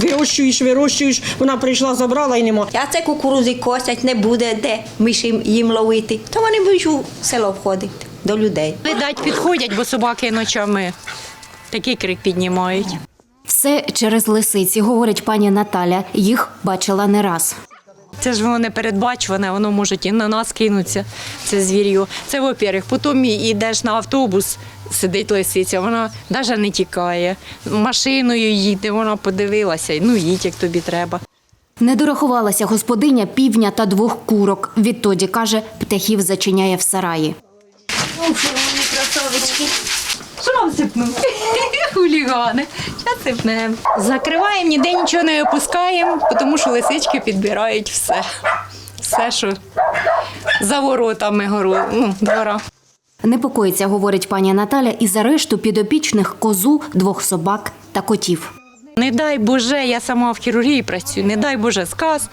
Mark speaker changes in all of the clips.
Speaker 1: вирощуєш, вона прийшла, забрала і нема.
Speaker 2: А це кукурузи косять, не буде де миші їм ловити. То вони будуть у село входити до людей.
Speaker 3: Видать, підходять, бо собаки ночами такий крик піднімають.
Speaker 4: Все через лисиці, говорить пані Наталя. Їх бачила не раз.
Speaker 3: Це ж воно не передбачуване, воно може і на нас кинутися, це звір'ю. Це, во-первых. Потім йдеш на автобус, сидить лисиця, вона навіть не тікає. Машиною їде, вона подивилася, ну їдь, як тобі треба.
Speaker 4: Не дорахувалася господиня півня та 2 курок. Відтоді, каже, птахів зачиняє в сараї.
Speaker 3: Що вам сипнути? Хулігани. Зараз сипнемо. Закриваємо, ніде нічого не опускаємо, тому що лисички підбирають все. Все, що за воротами двора.
Speaker 4: Непокоїться, говорить пані Наталя, і за решту підопічних козу, 2 собак та котів.
Speaker 3: Не дай Боже, я сама в хірургії працюю, не дай Боже сказ,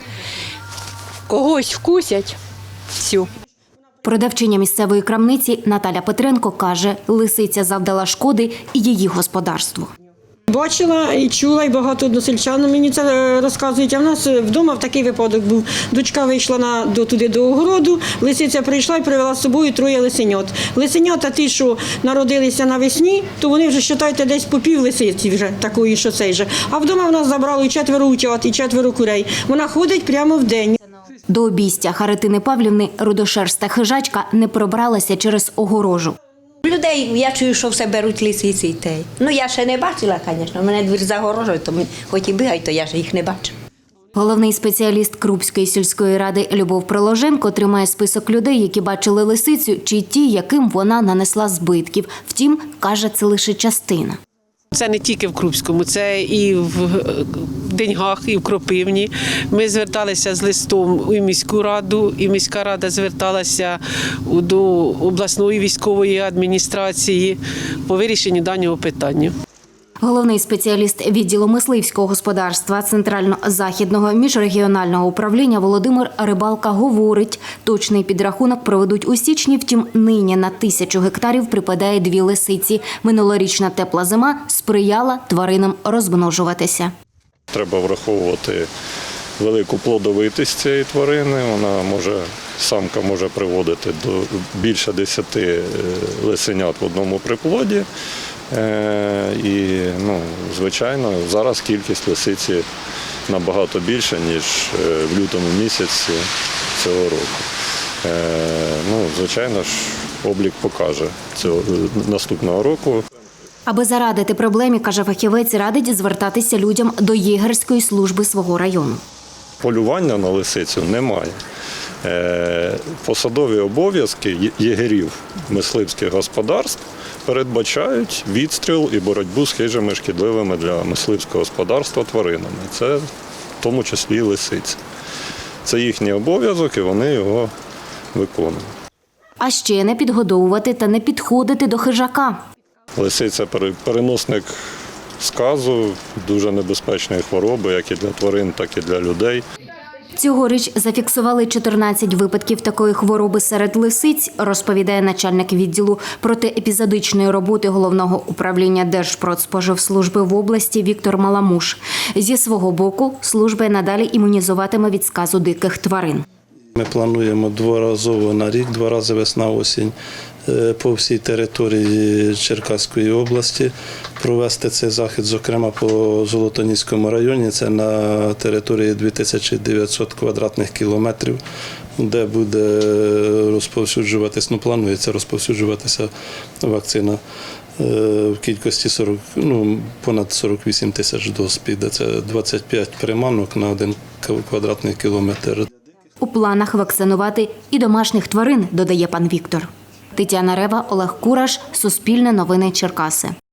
Speaker 3: когось вкусять, всю.
Speaker 4: Продавчиня місцевої крамниці Наталя Петренко каже, лисиця завдала шкоди і її господарству.
Speaker 1: Бачила і чула, і багато односельчан мені це розказують. А в нас вдома в такий випадок був. Дочка вийшла туди до огороду, лисиця прийшла і привела з собою 3 лисенят. Лисенята ті, що народилися навесні, то вони вже, вважайте, десь по пів лисиці вже, такої, що цей же. А вдома в нас забрало і 4 утят, і 4 курей. Вона ходить прямо в день.
Speaker 4: До обійстя Харитини Павлівни рудошерста хижачка не пробралася через огорожу.
Speaker 2: Людей, я чую, що все беруть лисиці. Ну, я ще не бачила, звісно. У мене двір загорожує, то хоч і бігають, то я ж їх не бачу.
Speaker 4: Головний спеціаліст Крупської сільської ради Любов Приложенко тримає список людей, які бачили лисицю, чи ті, яким вона нанесла збитків. Втім, каже, це лише частина.
Speaker 5: Це не тільки в Крупському, це і в Деньгах, і в Кропивні. Ми зверталися з листом у міську раду, і міська рада зверталася до обласної військової адміністрації по вирішенню даного питання.
Speaker 4: Головний спеціаліст відділу мисливського господарства Центрально-Західного міжрегіонального управління Володимир Рибалка говорить, точний підрахунок проведуть у січні, втім нині на 1000 гектарів припадає 2 лисиці. Минулорічна тепла зима сприяла тваринам розмножуватися.
Speaker 6: Треба враховувати велику плодовитість цієї тварини. Самка може приводити до більше 10 лисенят в одному приплоді. І, звичайно, зараз кількість лисиці набагато більша, ніж в лютому місяці цього року. Звичайно ж, облік покаже цього наступного року.
Speaker 4: Аби зарадити проблемі, каже фахівець, радить звертатися людям до єгерської служби свого району.
Speaker 6: Полювання на лисицю немає. Посадові обов'язки єгерів мисливських господарств передбачають відстріл і боротьбу з хижими шкідливими для мисливського господарства тваринами. Це в тому числі і лисиця. Це їхній обов'язок і вони його виконують.
Speaker 4: А ще не підгодовувати та не підходити до хижака.
Speaker 6: Лисиця – переносник сказу, дуже небезпечної хвороби, як і для тварин, так і для людей.
Speaker 4: Цьогоріч зафіксували 14 випадків такої хвороби серед лисиць, розповідає начальник відділу протиепізодичної роботи Головного управління Держпродспоживслужби в області Віктор Маламуш. Зі свого боку, служба надалі імунізуватиме від сказу диких тварин.
Speaker 7: Ми плануємо дворазово на рік, 2 рази весна-осінь по всій території Черкаської області провести цей захід, зокрема по Золотоніському районі, це на території 2900 квадратних кілометрів, де буде розповсюджуватися, планується розповсюджуватися вакцина в кількості понад 48 тисяч доз піде. Це 25 приманок на 1 квадратний кілометр.
Speaker 4: У планах вакцинувати і домашніх тварин, додає пан Віктор. Тетяна Рева, Олег Кураш, Суспільне новини Черкаси.